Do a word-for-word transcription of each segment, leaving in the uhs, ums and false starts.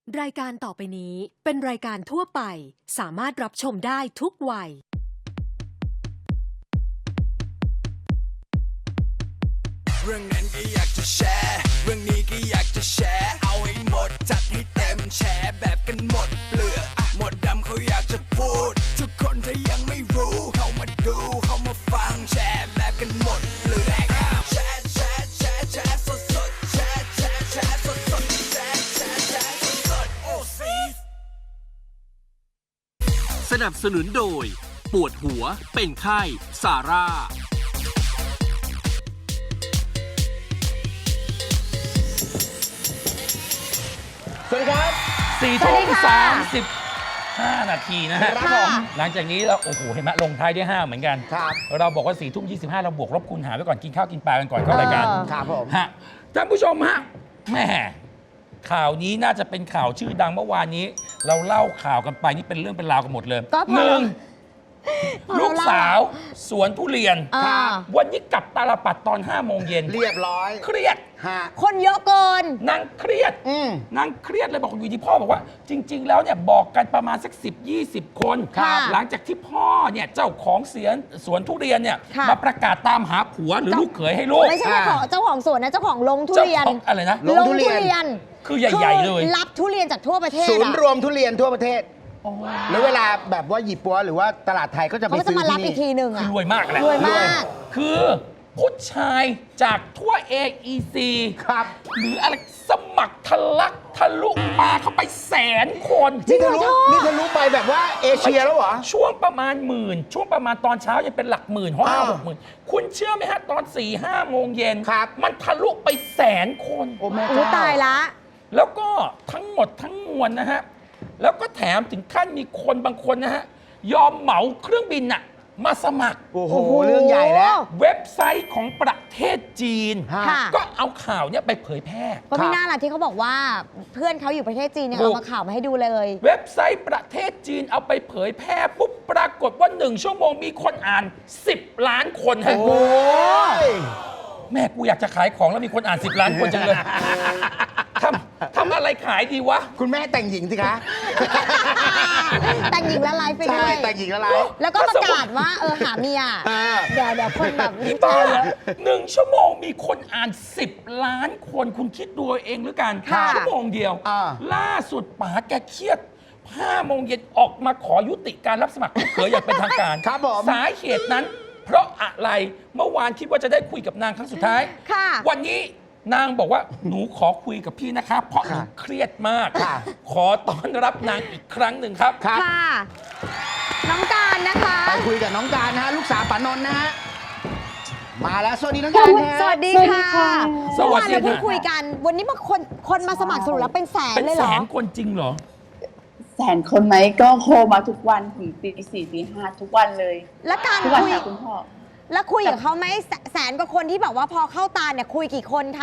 รายการต่อไปนี้เป็นรายการทั่วไปสามารถรับชมได้ทุกวัยเรื่องนั้นก็อยากจะแชร์เรื่องนี้ก็อยากจะแชร์เอาให้หมดจัดให้เต็มแชร์แบบกันหมดเปลือกหมดดำเขาอยากจะพูดทุกคนถ้ายังไม่รู้เข้ามาดูเข้ามาฟังแชร์แบบกันหมดเปลือกแชร์แชร์แชร์แชร์สดสดแชร์แชร์แชร์สดสดแชร์แชร์แชร์สดสดโอ้ซีสนับสนุนโดยปวดหัวเป็นไข้ซาร่าสวัสดีครับสี่ทุ่มสามสิบห้านาทีนะฮะครับผมหลังจากนี้เราโอ้โหเห็นไหมลงท้ายด้วยห้าเหมือนกันครับเราบอกว่าสี่ทุ่มยี่สิบห้าเราบวกลบคูณหารไว้ก่อนกินข้าวกินปลากันก่อนเข้ารายการครับผมฮะท่านผู้ชมฮะแหม่ข่าวนี้น่าจะเป็นข่าวชื่อดังเมื่อวานนี้ เราเล่าข่าวกันไปนี่เป็นเรื่องเป็นราวกันหมดเลยก็พอหนึ่งพอลูกสาวสวนทุเรียนอ่าวันนี้กลับตาลปัดตอนห้าโมงเย็นเรียบร้อยเครียดฮะคนเยอะเกินนางเครียดอืมนางเครียดเลยบอกอยู่ที่พ่อบอกว่า จริง ๆ แล้วเนี่ยบอกกันประมาณสักสิบยี่สิบคนครับหลังจากที่พ่อเนี่ยเจ้าของเสียนสวนทุเรียนเนี่ยค่ะมาประกาศตามหาผัวหรือลูกเขยให้ลูกไม่ใช่เจ้าของเจ้าของสวนนะเจ้าของลงทุเจ้าเรียนของอะไรนะลงทุเรียนคือใหญ่ๆเลยคือรับทุเรียนจากทั่วประเทศศูนย์อะรวมทุเรียนทั่วประเทศแล้วเวลาแบบว่าหยิบปัวหรือว่าตลาดไทยก็จะไปเขาก็จะซื้อมารับที่อีกทีนี่หนึ่งคืออะรวยมากแหละรวยมากคือผู้ชายจากทั่ว เอ อี ซีครับหรืออะไรสมัครทะลักทะลุปลาเข้าไปแสนคนนี่ทะลุนี่ทะลุไปแบบว่าเอเชียแล้วเหรอช่วงประมาณหมื่น ช่วงประมาณตอนเช้ายังเป็นหลักหมื่นห้าอ้าวหกหมื่นคุณเชื่อไหมฮะ ตอน4ี่ห้าโมงเย็นครับมันทะลุไปแสนคนโอ้แม่อู้เจ้าตายละแล้วก็ทั้งหมดทั้งมวลนะฮะ แล้วก็แถมถึงขั้นมีคนบางคนนะฮะ ยอมเหมาเครื่องบินน่ะมาสมัครโอ้โหเรื่องใหญ่แล้วเว็บไซต์ของประเทศจีนฮะค่ะก็เอาข่าวเนี้ยไปเผยแพร่ก็มีหน้าล่ะที่เขาบอกว่าเพื่อนเขาอยู่ประเทศจีนเนี่ยถูกเอามาข่าวมาให้ดูเลยเว็บไซต์ประเทศจีนเอาไปเผยแพร่ปุ๊บปรากฏว่าหนึ่งชั่วโมงมีคนอ่านสิบล้านคนฮะโอ้ยแม่กูอยากจะขายของแล้วมีคนอ่านสิบล้านคนจังเลย ทำทำอะไรขายดีวะคุณแม่แต่งหญิงสิคะแต่งหญิงและไลฟ์ไปใช่ด้วยแต่งหญิงอะไรแล้วก็ประกาศว่าเออหาเมียอ่าเดี๋ยวเดี๋ยวคนแบบอีบ้าหนึ่งชั่วโมงมีคนอ่านสิบล้านคนคุณคิดดูเอาเองหรือกันค่ะชั่วโมงเดียวอ่าล่าสุดป๋าแกเครียดห้าโมงเย็นออกมาขอยุติการรับสมัครลูกเขยอย่างเป็นทางการครับผมสาเหตุนั้น เพราะอะไรเมื่อวานคิดว่าจะได้คุยกับนางครั้งสุดท้ายค่ะวันนี้นางบอกว่าหนูขอคุยกับพี่นะครับ เพราะหนูเครียดมากค่ะขอต้อนรับนางอีกครั้งหนึ่งครับครับค่ะ น้องการนะคะไปคุยกับน้องการนะฮะลูกสาวป๋านนท์นะฮะมาแล้วสวัสดีน้องการฮะสวัสดีค่ะสวัสดีค่ะเมื่อวานเราเพิ่งคุยกัน วันนี้มาคนคนมาสมัครสรุปแล้วเป็นแสนเป็นเลยแสเหรอนคนจริงเหรอแสนคนไหมก็โทรมาทุกวันถึงตีสี่ตีห้าทุกวันเลยแล้วการทุกวันคุยค่ะคุณพ่อแล้วคุยกับเขาไหมแสแสนกว่าคนที่แบบว่าพอเข้าตาเนี่ยคุยกี่คนคะ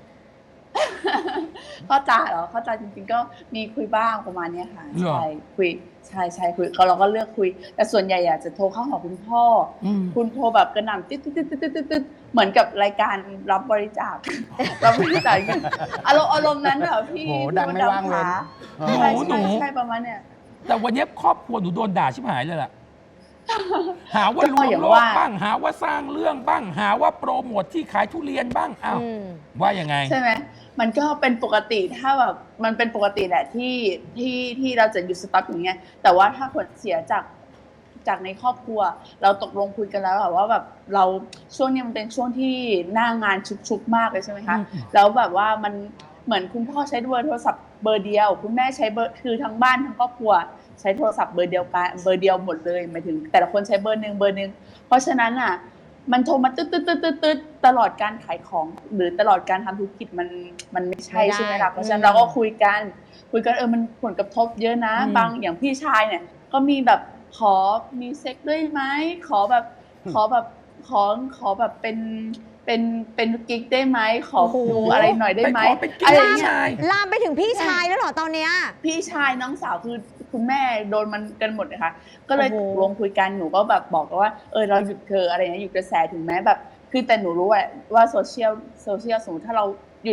เข้าใจเหรอเข้าใจจริงๆก็มีคุยบ้างประมาณเนี้ยค่ะเหรอใช่คุยใช่ใช่คุยเขาเราก็เลือกคุย แต่ส่วนใหญ่อยากจะโทรเข้าหาคุณพ่ออมคุณโทรแบบกระหน่ำติ๊ดติ๊ดติ๊ดติ๊ดติ๊ดติ๊ดเหมือนกับรายการรับบริจาค รับบริจาคอารมณ์อารมณ์นั้นแบบพี่โหดังไม่ว่างเลยใช่หนูใช่ใช่ประมาณเนี้ยแต่วันนี้ครอบครัวหนูโดนด่าชิบหายเลยล่ะ หาว่าลก็วงอย่างโลกว่าบ้าง หาว่าสร้างเรื่องบ้าง หาว่าโปรโมทที่ขายทุเรียนบ้าง อ้าวอืมว่ายังไงใช่ไหมมันก็เป็นปกติถ้าแบบมันเป็นปกติแหละที่ที่ที่เราจะหยุดสต็อกอย่างเงี้ยแต่ว่าถ้าผลเสียจากจากในครอบครัว เราตกลงคุยกันแล้วอะว่าแบบเราช่วงเนี้ยมันเป็นช่วงที่หน้างานชุกๆมากเลยใช่ไหมคะอืมแล้วแบบว่ามันเหมือนคุณพ่อใช้เบอร์โทรศัพท์เบอร์เดียว คุณแม่ใช้เบอร์คือทั้งบ้านทั้งครอบครัว ใช้โทรศัพท์เบอร์เดียวกันเบอร์เดียวหมดเลยหมายถึง แต่ละคนใช้เบอร์หนึ่งเบอร์หนึ่งเพราะฉะนั้นอ่ะ มันโทรมาตึ๊ดตึ๊ดตึ๊ดตึ๊ดตึ๊ดตลอดการขายของ หรือตลอดการทำธุรกิจมันมันไม่ใช่ไม่ได้ใช่ไหมล่ะเพราะฉะนั้อืนมเราก็คุยกันคุยกันเออมันผลกระทบเยอะนะอืมบางอย่างพี่ชายเนี่ย ก็มีแบบขอมีเซ็กด้วยไหมขอแบบขอแบบขอขอแบบเป็นเป็นเป็นกิ๊กได้ไหมขอดูอะไรหน่อยได้ไหมไปขอเป็นกิ๊กอะไรพี่เงี้ยชายลามไปถึงพี่ชายแล้วเหรอตอนเนี้ยพี่ชายน้องสาวคือคุณแม่โดนมันกันหมดนะคะก็เลยโอ้โหลงคุยกันหนูก็แบบบอกว่าเออเราหยุดเธออะไรเงี้ยหยุดกระแสถึงแม้แบบคือแต่หนูรู้ว่าว่าโซเชียลโซเชียลสมมติถ้าเราหยุด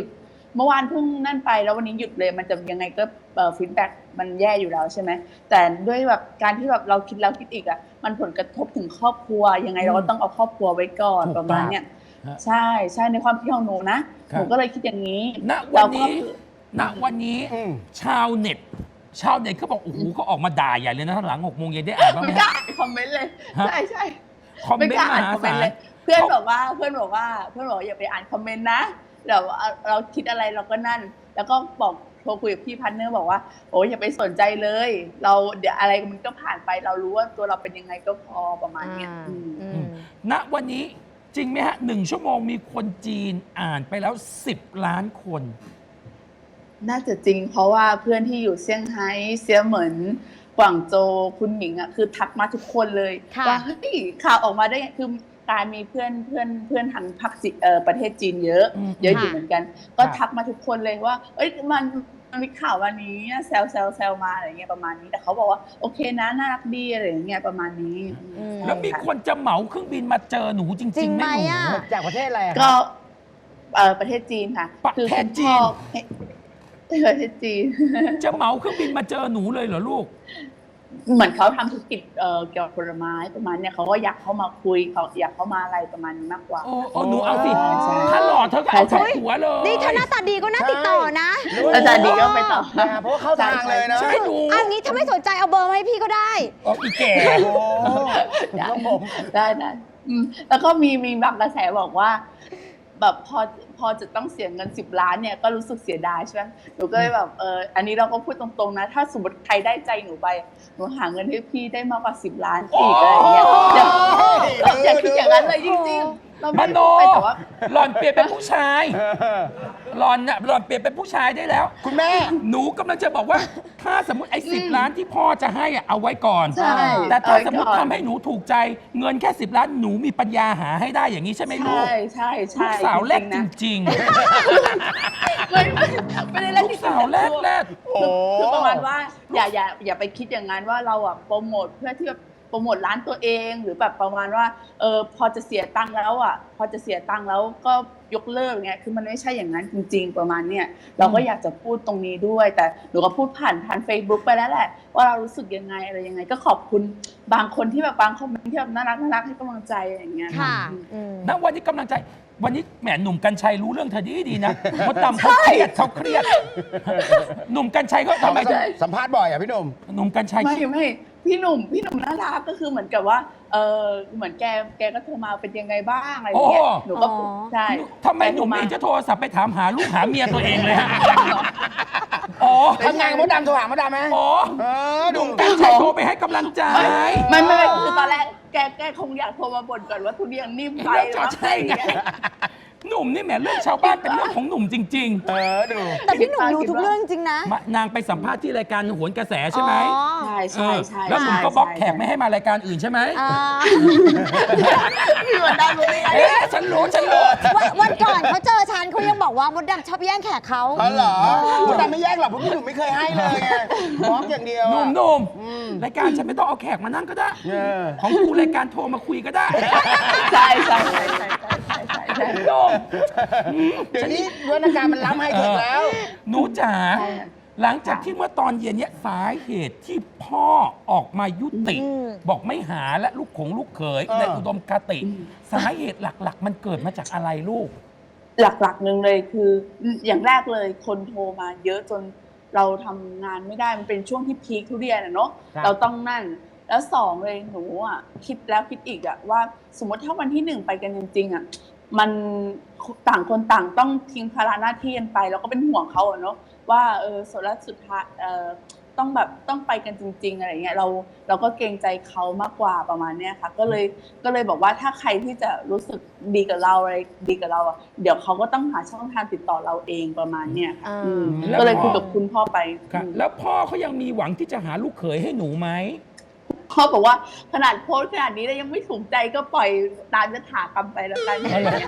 เมื่อวานเพิ่งนั่นไปแล้ววันนี้หยุดเลยมันจะยังไงก็เอ่อฟีดแบ็กมันแย่อยู่แล้วใช่ไหมแต่ด้วยแบบการที่แบบเราคิดแล้วคิดอีกอ่ะมันผลกระทบถึงครอบครัวยังไงเราก็ต้องเอาครอบครัวไว้ก่อนถูกประมาณเนี้ยฮะใช่ใช่ในความคิดของหนูนะครับหนูก็เลยคิดอย่างนี้ณวันเราก็นี้ณวันนี้อืมชาวเน็ต ชาวเน็ตเขาบอกโอ้โหเขาออกมาด่าใหญ่เลยนะหลังหกโมงเย็นได้อ่านบ้างไหมไม่ฮะกล้าคอมเมนต์เลยฮะใช่ใช่คอมเมนไม่ต์กล้าม อ่านหาคอมเมนศาต์ลเลยเพื่อนเขาบอกว่าเพื่อนบอกว่าเพื่อนบอกว่าอย่าไปอ่านคอมเมนต์นะเดี๋ยวเราเราคิดอะไรเราก็นั่น แล้วก็บอกโทรคุยกับพี่พันเนอร์บอกว่าโอ้ยอย่าไปสนใจเลย เราเดี๋ยวอะไรมันก็ผ่านไปเรารู้ว่าตัวเราเป็นยังไงก็พอประมาณเนี้ยอ่าอืมอือืมมณวันนี้จริงไหมฮะหนึ่งชั่วโมงมีคนจีนอ่านไปแล้วสิบล้านคนน่าจะจริงเพราะว่าเพื่อนที่อยู่เซี่ยงไฮ้เซียเหมินกวางโจวคุณหมิงอ่ะคือทักมาทุกคนเลยค่ะว่าเฮ้ยข่าวออกมาได้ไงคือการมีเพื่อนเพื่อนเพื่อนทางภาคจีเอ่อประเทศจีนเยอะอืมเยอะอยู่ค่ะเหมือนกัน ก็ครับทักมาทุกคนเลยว่า เอ้ยมันมันมีข่าววันนี้แซวแซวแซวมาอะไรเงี้ยประมาณนี้แต่เขาบอกว่าโอเคนะน่ารักดีอะไรอย่างเงี้ยประมาณนี้อืมแล้วมีคนจะเหมาเครื่องบินมาเจอหนูจจริริงงๆไหไหมมหนูอ่ะจากประเทศอะไรอะก็เอ่อประเทศจีนค่ะประคือเทศคุณจีพ่อน ประเทศจีนจะเหมาเครื่องบินมาเจอหนูเลยเหรอลูกเหมือนเขาทำธุรกิจเอ่อเกี่ยวกับผลไม้ประมาณเนี้ยเขาก็อยากเข้ามาคุยเขาอยากเข้ามาอะไรประมาณนี้มากกว่าโอ้โอ้หนูเอาสิใช่ถ้าหล่อเธอก็เอาใช่ทั้งหัวเลยนี่ถ้าหน้าตาดีก็น่าติดต่อนะอาจารย์ดีก็ไปต่อนะเพราะว่าเข้าทางเลยนะใช่หนูอันนี้ถ้าไม่สนใจเอาเบอร์มาให้พี่ก็ได้เอาอีแก่โอ้ครับผมได้ได้อืมแล้วก็มีมีบางกระแสบอกว่า แบบพอพอจะต้องเสียเงินสิบล้านเนี่ยก็รู้สึกเสียดายใช่ไหมหนูก็เลยแบบเอออันนี้เราก็พูดตรงๆนะ ถ้าสมมติใครได้ใจหนูไปหนูหาเงินให้พี่ได้มากกว่าสิบล้านอีกอะไรอย่างเงี้ยอย่าอย่าคิดอย่างนั้นเลยจริงๆเรามไม่โนได้ไปแต่ว่าหล่อนเปลี่ยนเป็นผู้ชายหล่อนน่ะหล่อนเปลี่ยนเป็นผู้ชายได้แล้วคุณแม่หนูกำลังจะบอกว่า ถ้าสมมติไอ้สิบล้านที่พ่อจะให้อะเอาไว้ก่อนใช่แต่ถ้าเอาไว้สมมติก่อนทำให้หนูถูกใจเงินแค่สิบล้านหนูมีปัญญาหาให้ได้อย่างนี้ใช่ไหมลูกใช่ใช่ลูใช่กสาวแรกจๆนะริงไม่ไม่ไม่ได้ๆเล่นลูกสาวแรกแรกโอ้คือประมาณว่าอย่าอย่าอย่าไปคิดอย่างนั้นว่าเราอ่ะโปรโมทเพื่อที่แบบโปรโมทร้านตัวเองหรือแบบประมาณว่าเออพอจะเสียตังค์แล้วอ่ะพอจะเสียตังค์แล้วก็ยกเลิกเงี้ยคือมันไม่ใช่อย่างนั้นจริง ๆ ประมาณเนี้ยเราก็อยากจะพูดตรงนี้ด้วย แต่หนูก็พูดผ่านผ่าน Facebook ไปแล้วแหละว่าเรารู้สึกยังไงอะไรยังไง ก็ขอบคุณบางคนที่แบบบางคอมเมนต์ที่แบบน่ารักน่ารักให้กำลังใจอะไรอย่างเงี้ยค่ะอืมอืมณวันนี้กำลังใจ วันนี้แหมหนุ่มกัญชัยรู้เรื่องเธอดีดีนะมดดำเขาเครียดเขาเครียด หนุ่มกัญชัยเขาทำไมถึงสัมภาษณ์บ่อยอ่ะพี่หนุ่มหนุ่มกัญชัยไม่ไม่พี่หนุ่มพี่หนุ่มน่ารักก็คือเหมือนกับว่าเออเหมือนแกแกก็โทรมาเป็นยังไงบ้างอะไรอย่างเงี้ยหนูก็อ๋อใช่ทำไมหนุ่มเองจะโทรศัพท์ไปถามหาลูกหาเมียตัวเองเลยฮะอ๋อทำงานกับมดดำโทรหามดดำไหมอ๋อเออหดูนุ่มกัญชัยโทรไปให้กำลังใจไม่ไม่ไม่คือตอนแรกแกแกคงอยากโทรมาบ่นก่อนว่าทุเรียนนิ่มไปเรื่องชาวใช่ไงหนุ่มนี่แหมเรื่องชาวบ้านเป็นเรื่องของหนุ่มจริงเออดูแต่พี่หนุ่มรู้ทุกเรื่องจริงนะๆมานางไปสัมภาษณ์ที่รายการโหนกระแสใช่ไหมอ๋อใช่ใช่ใช่เออแล้วหนุ่มก็บล็อกแขกไม่ให้มารายการอื่นใช่ไหมอ่าพี่หนุ่มได้รู้ได้ไงเอ๊ะฉันรู้ฉันรู้วันวันก่อนเขาเจอฉันเขายังบอกว่ามดดำชอบแย่งแขกเขาอ๋อเหรอมดดำไม่แยกหรอกเพราะพี่หนุ่มไม่เคยให้เลยไงบล็อกอย่างเดียวหนุ่อะมหนุ่มรายการฉันไม่ต้องเอาแขกมานั่งก็ได้เออของกูรายการโทรมาคุยก็ได้ใช่ใช่ใช่ใช่ใช่ใช่ใช่ใช่หนุ่มเดี๋ยวนี้วิวัฒนาการมันล้ำไฮเทคแล้วหนูจ๋าใช่ค่ะหลังจากที่เมื่อตอนเย็นเนี้ยสาเหตุที่พ่อออกมายุติอืมบอกไม่หาและลูกของลูกเขยเออในอุดมคติ สาเหตุหลักๆ มันเกิดมาจากอะไรลูกหลักๆหนึ่งเลยคืออย่างแรกเลยคนโทรมาเยอะจนเราทำงานไม่ได้มันเป็นช่วงที่พีคทุเรียนอะเนาะครับเราต้องนั่น แล้วสองเลยหนูอ่ะคิดแล้วคิดอีกอ่ะว่าสมมติถ้าวันที่หนึ่งไปกันจริงๆอ่ะมันต่างคนต่างต้องทิ้งภาระหน้าที่กันไปแล้วก็เป็นห่วงเขาอะเนาะว่าเออสุดแล้วสุดท้ายเออต้องแบบต้องไปกันจริง ๆอะไรเงี้ยเราเราก็เกรงใจเขามากกว่าประมาณเนี้ยค่ะก็เลยก็เลยบอกว่าถ้าใครที่จะรู้สึกดีกับเราอะไรดีกับเราอ่ะเดี๋ยวเขาก็ต้องหาช่องทางติดต่อเราเองประมาณเนี้ยค่ะอ่าอืมแล้วก็เลยคุยกับคุณพ่อไปครับอืมแล้วพ่อเขายังมีหวังที่จะหาลูกเขยให้หนูไหมพ่อบอกว่าขนาดโพสต์ขนาดนี้แล้วยังไม่ถูกใจก็ปล่อยตามยถากรรมไปแล้วกันอ๋อเหรอ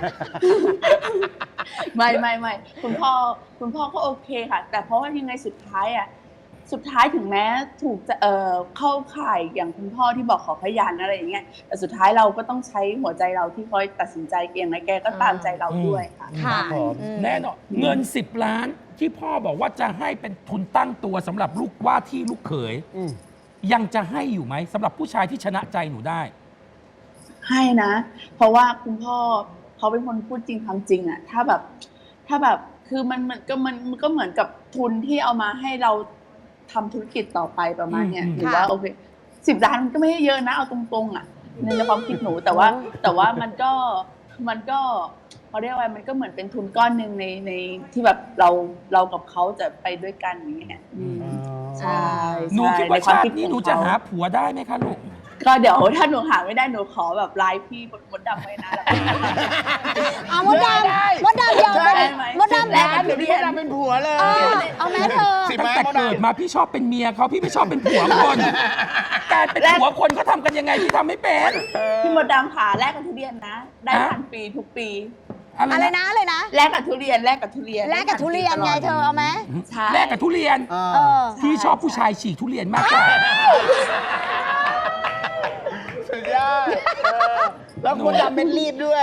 ไม่ไม่ไม่คุณพ่อคุณพ่อก็โอเคค่ะ แต่เพราะว่ายังไงสุดท้ายอ่ะสุดท้ายถึงแม้ถูกจะเอ่อเข้าข่ายอย่างคุณพ่อที่บอกขอพยานอะไรอย่างเงี้ยแต่สุดท้ายเราก็ต้องใช้หัวใจเราที่คอยตัดสินใจเองและแกก็ตามใจเราด้วยค่ะค่ะครับผมอืมแน่นอนเงินสิบล้านที่พ่อบอกว่าจะให้เป็นทุนตั้งตัวสำหรับลูกว่าที่ลูกเขยอืมยังจะให้อยู่ไหมสำหรับผู้ชายที่ชนะใจหนูได้ให้นะ เพราะว่าคุณพ่อเขาเป็นคนพูดจริงทำจริงอะถ้าแบบถ้าแบบคือมันมันก็มันมันก็เหมือนกับทุนที่เอามาให้เราทำธุรกิจต่อไปประมาณเนี้ยอืมหรือว่าค่ะโอเคสิบล้านมันก็ไม่ได้เยอะนะเอาตรงๆอะในความคิดหนูแต่ว่าแต่ว่ามันก็มันก็เขาเรียกว่ามันก็เหมือนเป็นทุนก้อนหนึ่งในในที่แบบเราเรากับเขาจะไปด้วยกันอย่างเงี้ยอืมใช่หนูใช่คิดว่าในวามชาติคิดนี้ของหนูจะเขหาผัวได้ไหมคะลูกก็เดี๋ยวถ้าหนูหาไม่ได้หนูขอแบบไลฟ์พี่มดดำไว้นะเอามดดได้ำมดดำเดียวได้ไหมมดดำแล้แล้ว วเดี๋ยวพี่จะเป็นผัวเลยเออเอาแม่เธอสิบตั้งไม้แต่มดเกิดดำมาพี่ชอบเป็นเมียเขาพี่ไม่ชอบเป็นผัวคนการเป็นผัวคนเขาทำกันยังไงพี่ทำไม่เป็นพี่มดดำค่ะแลกกับทุเรียนนะ ได้ฮะพันปีทุกปีอะไรนะอะไรนะแลกกับทุเรียนแลกกับทุเรียนแลกกับทุเรียนไงเธอเอาไหมใช่แลกกับทุเรียนเอเอออพี่ชอบผู้ชายฉีกทุเรียนมากกว่าสุดยอดเออแล้วมดดำเป็นรีบด้วย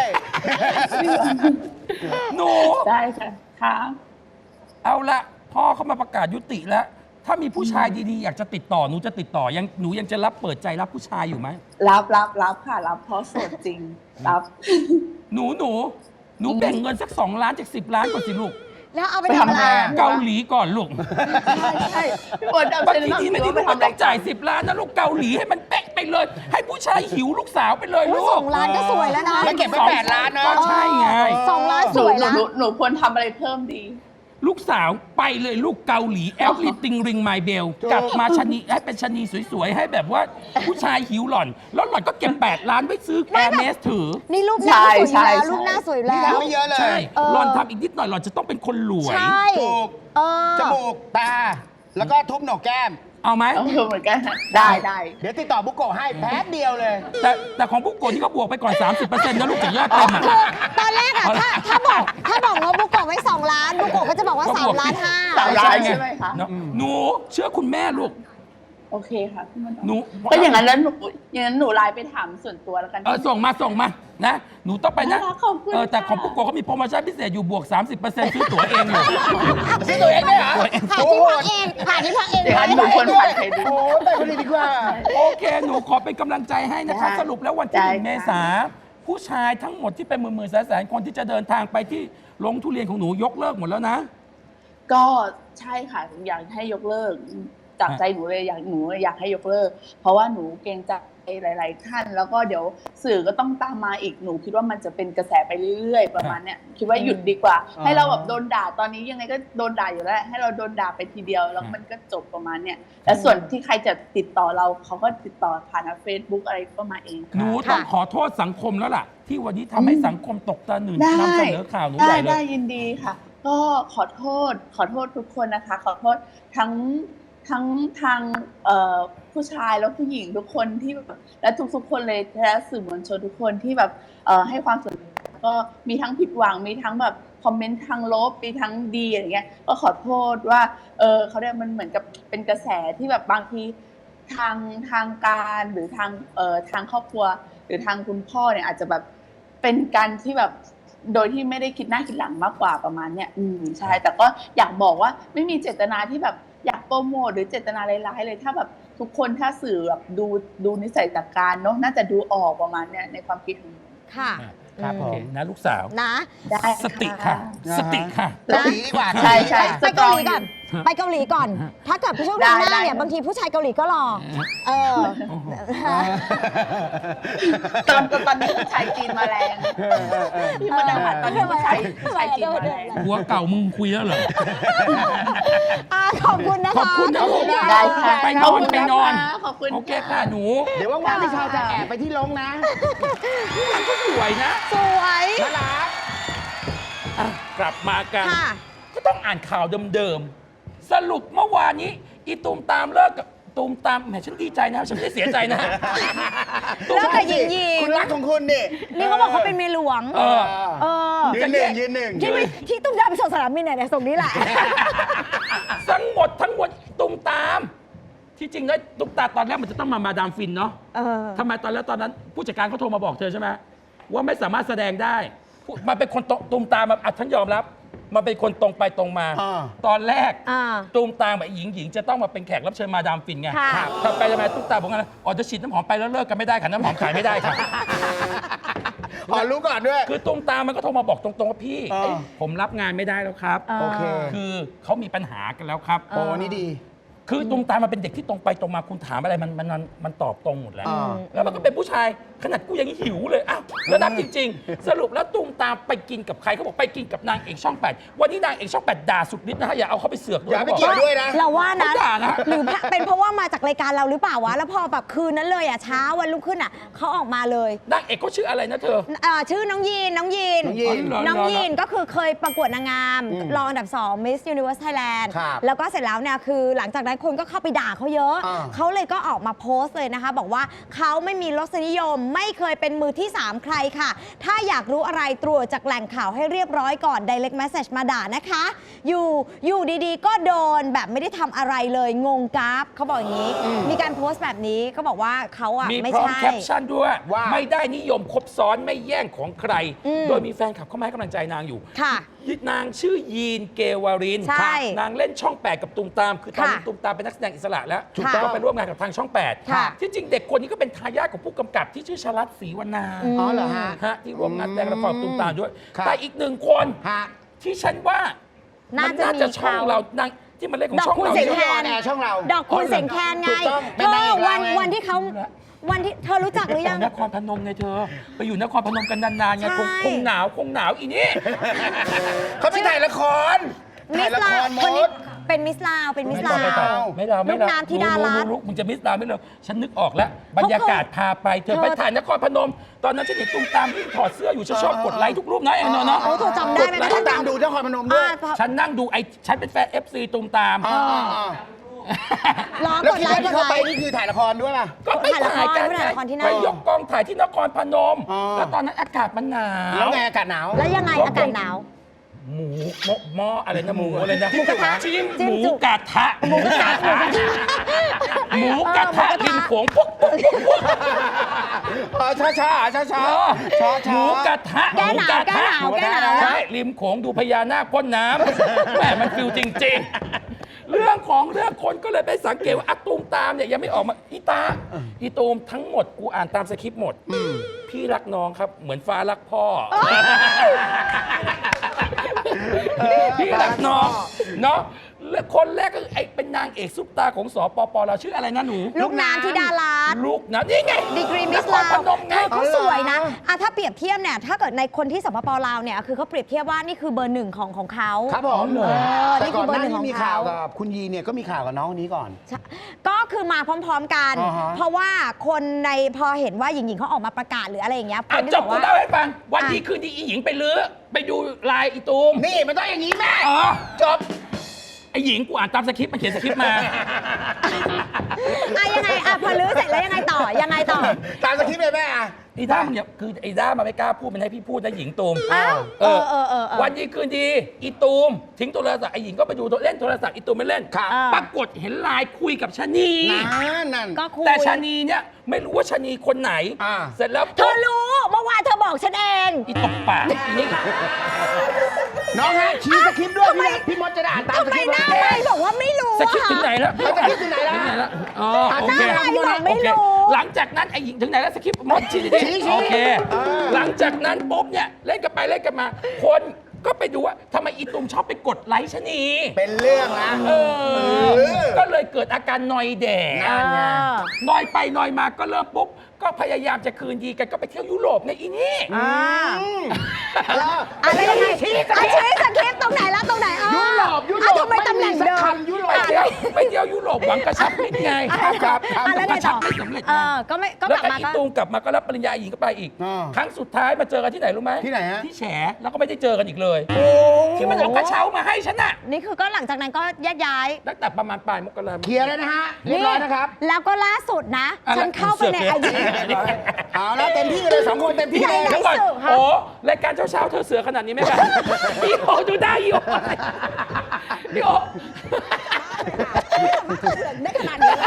หนูได้ค่ะค่ะเอาละพ่อเขามาประกาศยุติแล้ว ถ้ามีผู้ชายดีๆ อยากจะติดต่อหนูจะติดต่อยังหนูยังจะรับเปิดใจรับผู้ชายอยู่ไหมรับรับรับค่ะรับเพราะโสดจริงรับหนูหนูหนูแบ่งเงินสักสองล้านจากสิบล้านก่อนสิลูกแล้วเอาไปไปทำทำอะไรงานอะเกาหลีก่อนลูกใช่ใช่พี่มดดำบางจะทีแนะดีนำไม่หดีนูลูว่าก ไปไม่ทำต้องจ่ายสิบล้านนะลูกเกาหลีให้มันเป๊ะไปเลย ให้ผู้ชายหิวลูกสาวไปเลยโอ้ลูยกสองล้านก็สวยแล้วนะแล้วเก็บไว้แปดล้านเนอะก็ใช่ไงสองล้านหสนูวยหนูแล้วหนูหนูควรทำอะไรเพิ่มดีลูกสาวไปเลยลูกเกาหลีแอลลิติงริงไมเบลถูกกลับมาชะนีให้เป็นชะนีสวยๆ ให้แบบว่าผู้ชายหิวหล่อน แล้วหล่อนก็เก็บแปดล้านไว้ซื้อแอร์เมสถือนี่รูปหน้าสวยใช่แล้วใช่รูปหน้าสวยนี่แล้วทำไม่เยอะเลยใช่เออหล่อนทำอีกนิดหน่อยหล่อนจะต้องเป็นคนรวยใช่ถูกเออจมูก ตา แล้วก็ทุบโหนกแก้มเอาไหมต้องเหมือนกันนะได้ได้เดี๋ยวติดต่อบุกโกะให้แป๊บเดียวเลยแต่แต่ของผู้โกนที่เขาบวกไปก่อน สามสิบเปอร์เซ็นต์นะลูกจากยอดเต็มอะตอนแรกอะถ้าถ้าบอกถ้าบอกงบบุกโกะไว้สองล้านบุกโกะก็จะบอกว่าก็สาบมวกล้านห้าสามล้านใช่ไหมคะเนอะหนูเชื่อคุณแม่ลูกโอเคค่ะพี่มดดำหนูก็อย่างนั้นแล้วหนูอย่างนั้นหนูไลน์ไปถามส่วนตัวแล้วกันเออส่งมาส่งมานะหนูต้องไปนะน่ารักขอบคุณเออแต่ค่ะของผู้โกนเขามีโปรโมชั่นพิเศษอยู่บวก สามสิบเปอร์เซ็นต์ ซื้อตั๋วเองอยู่ซื้อตัวเองได้เหรอตัวเองหาที่พักเองหาที่พักเองเดี๋ยวอันหนูควรฝันใครดูโอ้แต่คนนี้ดีกว่าโอเค หนูขอเป็นกำลังใจให้นะคะได้สรุปแล้ววันที่หนึ่งได้เมค่ะษาผู้ชายทั้งหมดที่เป็นหมื่นๆแสนๆคนที่จะเดินทางไปที่ลงทุเรียนของหนูยกเลิกหมดแล้วนะก็ใช่ค่ะอยากให้ยกเลิกจากใจหนูเลยอยากหนูอยากให้ยกเลิก เพราะว่าหนูเกรงใจหลาย ๆ ท่าน แล้วก็เดี๋ยวสื่อก็ต้องตามมาอีกหนูคิดว่ามันจะเป็นกระแสไปเรื่อย ๆ ประมาณเนี้ยคิดว่าหยุดดีกว่าอ๋อให้เราแบบโดนด่าตอนนี้ยังไงก็โดนด่าอยู่แล้ว ให้เราโดนด่าไปทีเดียวแล้วมันก็จบประมาณเนี้ยแล้วส่วนที่ใครจะติดต่อเราเขาก็ติดต่อผ่านเฟซบุ๊กอะไรก็มาเองหนูค่ะต้องขอโทษสังคมแล้วล่ะ ที่วันนี้ทำให้สังคมตกตะหนึ่งได้นำเสนอข่าวหนูได้ใหญ่เลได้ยยินดีค่ะ ก็ขอโทษขอโทษทุกคนนะคะ ขอโทษทั้งทั้งทางเอ่อผู้ชายแล้วผู้หญิงทุกคนที่แบบและทุกๆคนเลยและสื่อมวลชนทุกคนที่แบบเอ่อให้ความสนใจก็มีทั้งผิดหวังมีทั้งแบบคอมเมนต์ทางลบมีทั้งดีอะไรเงี้ยก็ขอโทษว่าเออเขาเรียกมันเหมือนกับเป็นกระแสที่แบบบางทีทางทางการหรือทางเอ่อทางครอบครัว หรือทางคุณพ่อเนี่ยอาจจะแบบเป็นการที่แบบโดยที่ไม่ได้คิดหน้าคิดหลังมากกว่าประมาณเนี้ยอืมใช่แต่ก็อยากบอกว่าไม่มีเจตนาที่แบบอยากโปรโมทหรือเจตนาร้ายๆเลยถ้าแบบทุกคนถ้าสื่อแบบดูดูนิสัยจากการเนาะน่าจะดูออกประมาณเนี้ยในความคิดของหนูค่ะครับผโอเคมนะลูกสาวนะได้สติค่ะนะฮะสติค่ะสติดีกว่าใช่ใช่ไปเกาหลีก่อน ไปเกาหลีก่อน ถ้าเกิดช่วงหน้าได้ได้เนี่ยบางทีผู้ชายเกาหลีก็รอ เออตอนตอนนี้ผู้ชายจีนมาแรงพี่มดดาตอนนี้ผู้ชายผู้ชายจีนมาแรงหัวเก่ามึงคุยแล้วเหรออ่าขอบคุณนะคะขอบคุณนะลูกได้ค่ะไปนอนไปนอนขอบคุณโอเคค่ะหนูเดี๋ยวว่างๆพี่ชาวจะแอบไปที่ลงนะมันก็สวยนะสวยน่ารักอ่ะกลับมากันค่ะก็ต้องอ่านข่าวเดิมๆ สรุปเมื่อวานนี้ อีตูมตามเลิกกับตูมตามแหมฉันดีใจนะ ฉันไม่ได้เสียใจนะแล้วแต่หญิงหญิงคุณรักของคุณนี่นี่เขาบอกเขาเป็นเมียหลวงเออเออยืนหนึ่งยืนหนึ่งที่ไม่ที่ตุ้มดาวไปส่งสนามบินเนี่ยเนี่ยส่งนี้แหละทั้งหมดทั้งหมดตูมตามที่จริงแล้วตุ๊กตาตอนแรกมันจะต้องมามาดามฟินเนาะเออทำไมตอนแรกตอนนั้นผู้จัดการเขาโทรมาบอกเธอใช่ไหมว่าไม่สามารถแสดงได้ผู้มันเป็นคนตรงตูมตามมาอ่ะฉันยอมรับมันเป็นคนตรงไปตรงมาอ่าตอนแรกอ่าตูมตามแบบหญิงหญิงจะต้องมาเป็นแขกรับเชิญมาดามฟินไงค่ะถ้าไปทำไมตุ๊กตาบอกงั้นอ๋อจะฉีดน้ำหอมไปแล้วเลิกกันไม่ได้ค่ะน้ำหอมขายไม่ได้ค่ะอ๋อรู้ก่อนด้วยคือตูมตามมันก็โทรมาบอกตรงๆว่าพี่อ่าเอ้ยผมรับงานไม่ได้แล้วครับอ่าโอเคคือเขามีปัญหากันแล้วครับโอ้นี่ดีคือตูมตามมันเป็นเด็กที่ตรงไปตรงมาคุณถามอะไรมันมันมันมันตอบตรงหมดแล้วอ่าแล้วมันก็เป็นผู้ชายขนาดกูยังหิวเลยอ้าวแล้วนับจริง ๆ สรุปแล้วตูมตามไปกินกับใครเขาบอกไปกินกับนางเอกช่องแปดวันนี้นางเอกช่องแปดด่าสุดฤทธิ์นะฮะอย่าเอาเขาไปเสือกด้วยอย่าไปขบเกี่ยวด้วยนะเราว่านะเขาด่านะหรือเป็นเพราะว่ามาจากรายการเราหรือเปล่าวะ แล้วพอแบบคืนนั้นเลยอ่ะเช้าวันรุ่งขึ้นอ่ะเขาออกมาเลยนางเอกเขาชื่ออะไรนะเธอเอ่อชื่อน้องยีนน้องยีนน้องยีนเหรอน้องเหรอยีนก็คือเคยประกวดนางงามอืมรองอันดับสอง Miss Universe Thailand ครับแล้วก็เสร็จแล้วเนี่ยคือหลังจากนั้นคนก็เข้าไปด่าเขาเยอะอ่าเขาเลยก็ออกมาโพสต์เลยนะคะ บอกว่าเขาไม่มีรสนิยมไม่เคยเป็นมือที่สามใครค่ะ ถ้าอยากรู้อะไรตรวจจากแหล่งข่าวให้เรียบร้อยก่อน direct message มาด่านะคะ อยู่อยู่ดีๆ ก็โดนแบบไม่ได้ทำอะไรเลยงงกราฟเขาบอกอย่างนี้ มีการโพสต์แบบนี้ก็บอกว่าเขาอ่ะมีไม่พร้อมใช่แคปชั่นด้วยว่าไม่ได้นิยมคบซ้อนไม่แย่งของใครอืมโดยมีแฟนคลับเข้ามาให้กำลังใจนางอยู่ค่ะนางชื่อยีนเกวารินใช่นางเล่นช่องแปดกับตูมตาม คือตอนนี้ค่ะตูมตามเป็นนักแสดงอิสระแล้วถูกต้องก็ไปร่วมงานกับทางช่องแปดค่ะที่จริงเด็กคนนี้ก็เป็นทายาทของผู้กำกับที่ชื่อชลัดศรีวรรณาอืมอ๋อเหรอฮะฮะที่ร่วมงานแสดงละครกับตูมตามด้วยครับแต่อีกหนึ่งคนฮะที่ฉันว่าน่ามันจะน่าจะมีช่องเขาเรานางที่มันเล่นของดอกช่องคุณเราเสียงเนี่ยแคนออนแอร์ช่องเราดอกคุณเสียงแคนไงถูกต้องเธเป็นนางเอกอวันเราไงวันที่เขาวันที่เธอรู้จักหรือยังนครพนมไงเธอ ไปอยู่นครพนมกันนานๆไงคงใช่คงหนาวคงหนาวอีนี่เขาไปถ่ายละครมิถ่ายสละลาคว รมคนนี้ดเป็นมิสลาวเป็นมิสไม่ลาไม่วไม่ดาวไม่ลูกดาวน้ำธิดารัตน์รู้ๆมึงจะมิสดาวไม่เลยฉันนึกออกแล้ว บรรยากาศพาไปเธอเธอไปถ่ายนครพนม ตอนนั้นฉันเห็นตุ้มตามที่ถอดเสื้ออยู่ฉันชอบกดไลค์ทุกรูปนะเองเนาะเนาะโอ้เธอจำได้ไหมแล้วคะก็ตามดูนครพนมด้วยอ่าฉันนั่งดูไอ้ฉันเป็นแฟน เอฟ ซี ตุ้มตามอ่าอ่าอ่าล้อแล้วกดที่ไลว่าค์กที่ดเขาไลไปค์นี่คือถ่ายละครด้วยป่ะก็ไปถ่ายกันไปถ่ายละครที่นั่นไปยกกองถ่ายที่นครพนมอ๋อแล้วตอนนั้นอากาศมันหนาวแล้วไงอากาศหนาวแล้วยังไงอากาศหนาวหมูหม้อหม้ออะไรนะหมูอะไรนะหมูกระทะจิ้มจิ้หมมูจุกกระทะหมูกระทะหมูกระทะริมโขงปุ๊กปุ๊กปุ๊กปุ๊กอ๋อช้าช้าช้าช้าช้าหช้ามูกระทะแก้หนาวมูกระทะแก้หนาวแก้หนาวใช่ริมโขงดูพญานาคพ่นน้ำแหมมันฟิลจริง ๆ เรื่องของเรื่องคนก็เลยไปสังเกตว่าอะตูมตามเนี่ยยังไม่ออกมาอีตาอีตูมทั้งหมดกูอ่านตามสคริปต์หมด พี่รักน้องครับเหมือนฟ้ารักพ่อ พี่รักน้องเนาะและคนแรกก็คือไอ้เป็นนางเอกซุปตาของสปปเราชื่ออะไรนะหนูลูกน้ำธิดารัตน์ลูกนะนี่ไงดีกรีมิสนคลารพวนมไงเขาสวยนะอ่ะถ้าเปรียบเทียบเนี่ย ถ้าเกิดในคนที่สปปลาวเนี่ย คือเขาเปรียบเทียบว่านี่คือเบอร์หนึ่งของของเขาครับผมเหรอเออแต่นี่ก่คือ อน เบหอร์น้าหนึ่งนี้ของมีเขาข่าวกับคุณยีเนี่ยก็มีข่าวกับน้องคนนี้ก่อนใช่ก็คือมาพร้อมๆกันอ่าฮะเพราะว่าคนในพอเห็นว่าหญิงๆเขาออกมาประกาศหรืออะไรอย่างเงี้ยคอ่ะนที่จบบ อกกูว่าเล่าให้ฟัง วันอ่ะดีคืนดีอีหญิงไปลื้อไปดูลายอีตูมนี่มันต้องอย่างนี้แม่อ๋อจบไอหญิงกูอ่านตามสคริปต์มันเขียนสคริปต์มาอ่ะยังไงอ่ะพอลื้อเสร็จแล้วยังไงต่อยังไงต่อตามสคริปต์เลยแม่อะไอ้ด้ามันเนี่ยคือไอ้ด้ามันไม่กล้าพูดมันให้พี่พูดนะหญิงตูมอ้าวเออเออเออเออวันดีคืนดีอีตูมทิ้งโทรศัพท์ไอ้หญิงก็ไปดูเล่นโทรศัพท์อีตูมไม่เล่นครับอ่าปรากฏเห็นไลน์คุยกับชะนีนั่นนั่นก็คุยแต่ชะนีเนี่ยไม่รู้ว่าชะนีคนไหนอ่าเสร็จแล้วเธอรู้เมื่อวานเธอบอกฉันเองอีตบปากอีนี่น้องฮะชี้สคริปต์ด้วยพี่นะพี่มดจะได้อ่านตามทำสไมคริปต์หน้าเลยไม่บอกว่าไม่รู้สคริปต์ถึงไหนแล้วเอาสคริปต์ถึงไหนแล้วถึงไหนแล้วอ๋อโอเคหน้าไม่บอกไม่โอเครู้หลังจากนั้นไอ้หญิงถึงไหนแล้วสคริปต์มดชี้ดิชี้ชี้โอเคเออหลังจากนั้นปุ๊บเนี่ยเล่นกันไปเล่นกันมา คนก็ไปดูว่าทำไมอีตุมชอบไปกดไลค์ชะนีเป็นเรื่องนะเออเออก็เลยเกิดอาการนอยแดดนั่นไงนอยไปนอยมาก็เริ่มปุ๊บ ก็พยายามจะคืนดีกันก็ไปเที่ยวยุโรปในอีนี่อ่าแล้วอะไรยังไงชี้อ่ะชี้สคริปต์ตรงไหนแล้วตรงไหนอ่ะยุโรปยุโรปอ่ะทำไมตำแหน่งเดิไม่มีสักมคำยุโรไปปเที่ยวไปเที่ยวยุโรปหวังกระชับมิตรไงครับครับอ่ะแล้วไงต่อไม่สำเร็จไงเออก็ไม่ก็แล้วกลับก็มาอีก็ตูมกลับมาก็รับปริญญาหญิงก็ไปอีกอ่าครั้งสุดท้ายมาเจอกันที่ไหนรู้ไหมที่ไหนฮะที่แฉแล้วก็ไม่ได้เจอกันอีกเลยโอ้ที่มันเอากระเช้ามาให้ฉันน่ะนี่คือก็หลังจากนั้นก็แยกย้ายตั้งแต่ประมาณปลายมกราคมเคลียร์แล้วนะฮะ เรียบร้อยนะครับแล้วก็ล่าสุดนะอะไรฉันเข้าไปในเสืไออกจีเนี่ยเอาแล้วเต็มที่เลยสองคนเต็มที่เลยไหนเดี๋ยวก่อนเสือกฮะโอ้รายการเช้าๆเธอเสือขนาดนี้ไหมครับ อีโอดูได้อีโออีโอได้ขนาดนี้แล้ว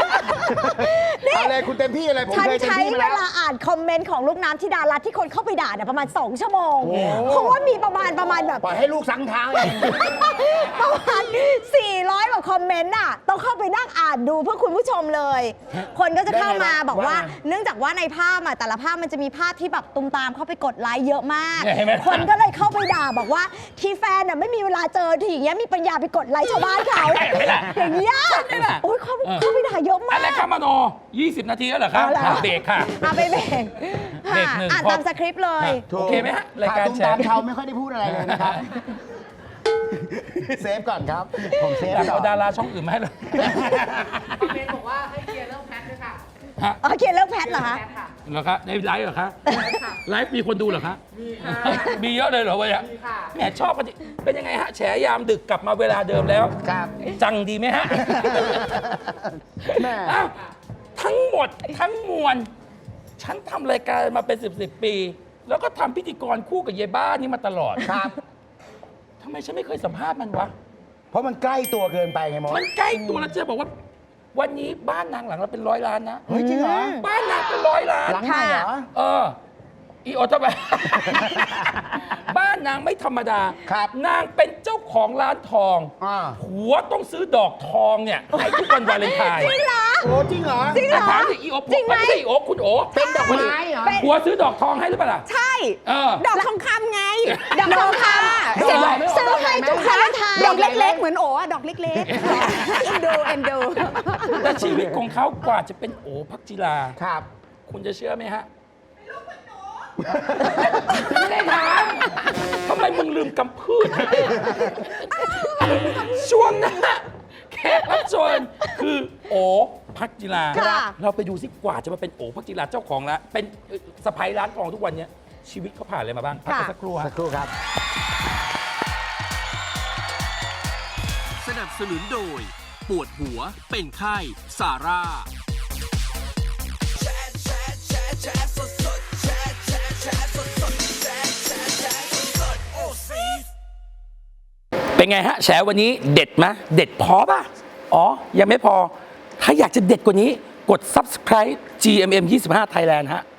เอาเลยคุณเต็มที่เลยผมฉันเคยเต็มใช้ที่มาเวแล้วลาอ่านคอมเมนต์ของลูกน้ำธิดารัตน์ที่คนเข้าไปด่าเนี่ยประมาณ สอง ชั่วโมงโอ้เพราะว่ามีประมาณประมาณแบบปล่อยให้ลูกสังเท้าเองประมาณ สี่ร้อย กว่าคอมเมนต์น่ะ ต้องเข้าไปนั่งอ่านดูเพื่อคุณผู้ชมเลย คนก็จะเข้ามาบอกว่า เนื่องจากว่าในภาพอ่ะแต่ละภาพมันจะมีภาพที่แบบตุ้มตามเข้าไปกดไลค์เยอะมากเนี่ยเห็นไหมคนก็เลยเข้าไปด่าบอกว่าที่แฟนน่ะไม่มีเวลาเจอทีอย่างเงี้ยมีปัญญาไปกดไลค์ชาวบ้านเขาอย่างเงี้ยโอ้ยเข้าไปเข้าไปด่าเยอะมากอะไรครับมโนยี่สิบ นาทีแล้วเหรอคะเอาล่ะอ่ะเบรกค่ะเอาไปเบรกเบรกหนึ่งอ่านพอตามสคริปต์เลยโอเคไหมฮะรายการตุ้มแชตามร์เทาไม่ค่อยได้พูดอะไรเลยนะครับ เซฟก่อนครับ ผมเซฟอยากก่เอาอนดาราช่องอื่นมาให้เลยเมนบอกว่าให้เคลียร์เรื่องแพทด้วยค่ะฮะอ๋อเขียนเรื่องแพทเหรอคะแพทค่ะเหรอคะในไลฟ์เหรอคะไลฟ์มีคนดูเหรอคะมีค่ะมีเยอะเลยเหรอวะเนี่ยมีค่ะแหมชอบกันดิเป็นยังไงฮะแฉยามดึกกลับมาเวลาเดิมแล้วครับจังดีไหมฮะแม่อ้าวทั้งหมดทั้งมวล ฉันทำรายการมาเป็นสิบสิบปี แล้วก็ทำพิธีกรคู่กับยายบ้านี่มาตลอดครับทำไมฉันไม่เคยสัมภาษณ์มันวะเพราะมันใกล้ตัวเกินไปไงมดมันใกล้ตัวแล้วจะบอกว่า วันนี้บ้านนางหลังเราเป็นร้อยล้านนะเฮ้ยจริงเหรอบ้านนางเป็นร้อยล้านหลังไหนเหรอเออ อีโอทำไม บ้านนางไม่ธรรมดาครับนางเป็นเจ้าของร้านทองอ่าผัวต้องซื้อดอกทองเนี่ยให้ทุกวันวาเลนไทน์จริงเหรอโอ้จริงเหรอจริงเหรอถามสิอีโอจริงไหมไม่ใช่อีโอคุณโอเป็นดอกไม้เหรอผัวซื้อดอกทองให้หรือเปล่าล่ะใช่เออดอกทองคำไง ดอกทองคำดอกอะไรไม่ออกซื้อให้ทุกวาเลนไทน์ดอกเล็กๆ เหมือนโอ๋อะดอกเล็กๆ เอ็นดูเอ็นดูแต่ชีวิตของเขากว่าจะเป็นโอพักจิราครับคุณจะเชื่อไหมฮะไม่ได้ถามทำไมมึงลืมกำพืชช่วงหน้าแขกรับเชิญคือโอพักจิราค่ะเราไปดูซิกว่าจะมาเป็นโอพักจิราเจ้าของร้านเป็นสะพ้ายร้านทองทุกวันเนี้ยชีวิตเขาผ่านอะไรมาบ้างพักกันสักครู่สัฮะกครู่ครับสนับสนุนโดย ปวดหัวเป็นไข้ซาร่าเป็นไงฮะแฉวันนี้เด็ดไหมเด็ดพอป่ะ อ๋อ ยังไม่พอ ถ้าอยากจะเด็ดกว่านี้กด ซับสไครบ์ จี เอ็ม เอ็ม ยี่สิบห้า Thailand ฮะ